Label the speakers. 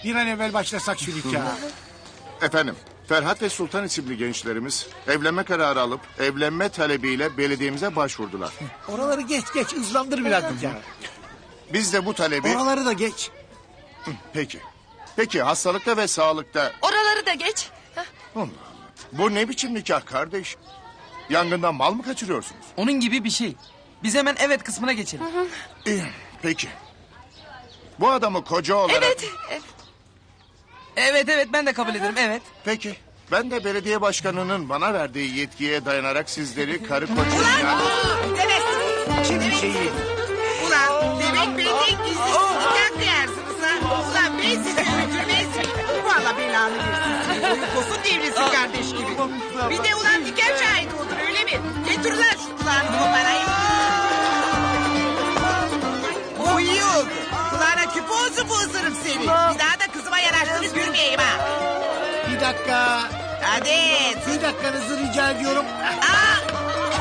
Speaker 1: Bir an evvel başlasak şu nikaha.
Speaker 2: Efendim, Ferhat ve Sultan isimli gençlerimiz evlenme kararı alıp evlenme talebiyle belediyemize başvurdular.
Speaker 1: Oraları geç hızlandır biraz nikah.
Speaker 2: Biz de bu talebi...
Speaker 1: Oraları da geç.
Speaker 2: Peki. Peki hastalıkta ve sağlıkta...
Speaker 3: Oraları da geç.
Speaker 2: Bu ne biçim nikah kardeş? Yangından mal mı kaçırıyorsunuz?
Speaker 4: Onun gibi bir şey. Biz hemen evet kısmına geçelim.
Speaker 2: İyi, peki. Bu adamı koca olarak...
Speaker 3: Evet.
Speaker 4: Evet ben de kabul ederim evet.
Speaker 2: Peki. Ben de belediye başkanının bana verdiği yetkiye dayanarak sizleri karı koca...
Speaker 1: Şimdi şeyi.
Speaker 5: Ulan demek benden gizli nikah kıyarsınız ha. Ulan ben sizi öldürmez miyim? Valla belanı versin. Boyu posun devrilsin kardeş gibi. Bir de ulan nikah şahidi olur öyle mi? Getir ulan şu kulağını koparayım. O iyi oldu. Kulağına küp olsun bu ısırım seni. Bir daha da kızıma yanaştırıp yürümeyeyim ha.
Speaker 1: Bir dakika.
Speaker 5: Hadi.
Speaker 1: Bir dakikanızı rica ediyorum.
Speaker 5: Aa!